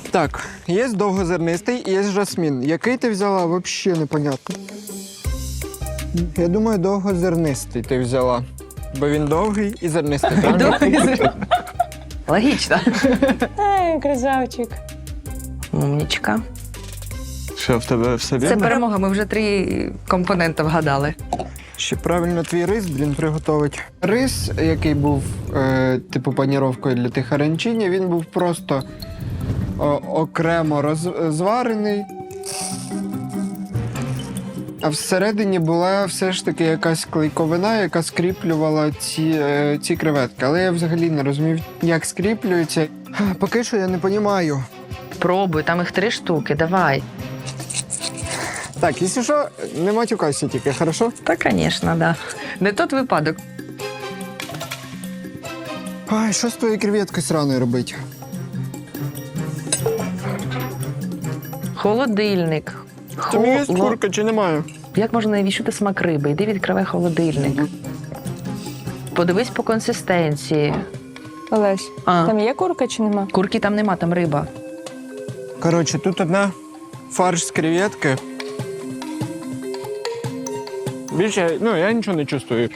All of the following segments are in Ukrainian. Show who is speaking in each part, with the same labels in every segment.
Speaker 1: Так, є довгозернистий і є жасмін. Який ти взяла, взагалі непонятно. Я думаю, довгозернистий ти взяла. Бо він довгий і зернистий, правильно?
Speaker 2: Логічно.
Speaker 3: Ай, красавчик.
Speaker 2: Умнічка.
Speaker 4: Що, в тебе все
Speaker 2: Це
Speaker 4: вірно?
Speaker 2: перемога, ми вже 3 компоненти вгадали.
Speaker 1: Ще правильно твій рис, приготовить. Рис, який був, типу, паніровкою для тих аранчині, він був просто окремо розварений. А всередині була все ж таки якась клейковина, яка скріплювала ці креветки. Але я взагалі не розумів, як скріплюються. Поки що я не розумію.
Speaker 2: Пробуй, там їх 3 штуки, давай.
Speaker 1: Так, якщо що, не матюкайся тільки, хорошо?
Speaker 2: Та, звісно, да. Не тот випадок.
Speaker 1: Ай, що з твоєю креветкою сраною робити?
Speaker 2: Холодильник.
Speaker 1: Там є курка чи немає?
Speaker 2: Як можна не відчути смак риби? Йди відкривай холодильник. Подивись по консистенції.
Speaker 3: Олесь, там є курка чи нема?
Speaker 2: Курки там нема, там риба.
Speaker 1: Коротше, тут одна фарш з креветки. Більше, я нічого не чувствую.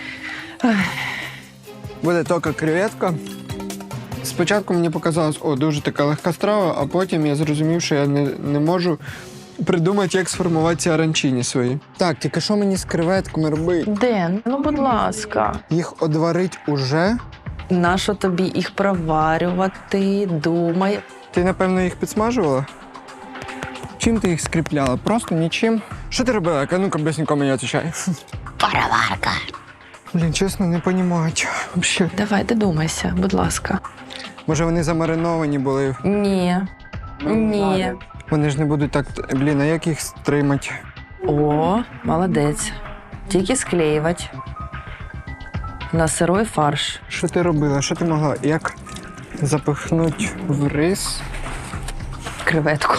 Speaker 1: Буде тільки креветка. Спочатку мені показалось, дуже така легка страва, а потім я зрозумів, що я не можу придумати, як сформувати ці аранчині свої. Так, тільки що мені з креветками робити?
Speaker 2: Ден, ну будь ласка.
Speaker 1: Їх одварить уже?
Speaker 2: Нащо тобі їх проварювати? Думай.
Speaker 1: Ти, напевно, їх підсмажувала? Чим ти їх скріпляла? Просто нічим? Що ти робила? Ну-ка, блясненько мені відповідай.
Speaker 2: Пароварка.
Speaker 1: Блін, чесно, не розумію. Взагалі.
Speaker 2: Давай, додумайся, будь ласка.
Speaker 1: Може, вони замариновані були?
Speaker 2: Ні. Ні.
Speaker 1: Вони ж не будуть так... Блін, а як їх стримати?
Speaker 2: О, молодець. Тільки склеювати. На сирой фарш.
Speaker 1: Що ти робила? Що ти могла? Як запихнути в рис?
Speaker 2: Креветку.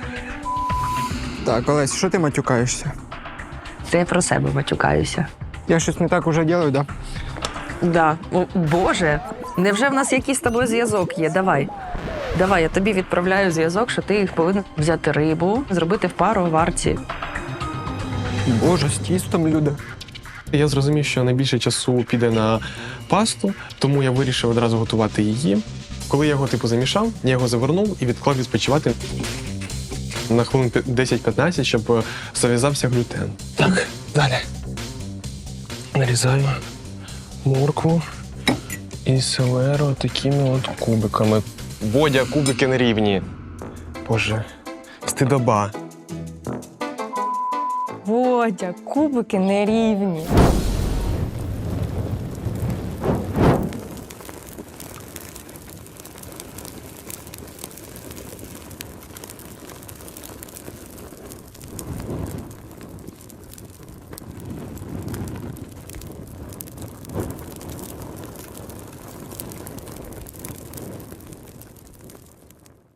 Speaker 1: Так, Олесь, що ти матюкаєшся?
Speaker 2: Це я про себе матюкаюся.
Speaker 1: Я щось не так уже роблю, да?
Speaker 2: Да. О, Боже, невже в нас якийсь з тобою зв'язок є? Давай. Давай, я тобі відправляю зв'язок, що ти їх повинен взяти рибу, зробити в пароварці.
Speaker 1: Боже, з тістом, люди.
Speaker 4: Я зрозумів, що найбільше часу піде на пасту, тому я вирішив одразу готувати її. Коли я його замішав, я його завернув і відклав відпочивати на хвилин 10-15, щоб зав'язався глютен. Так, далі. Нарізаю моркву і селеру такими от кубиками. Бодя, кубики не рівні. Боже, стидоба.
Speaker 3: Водя, кубики нерівні.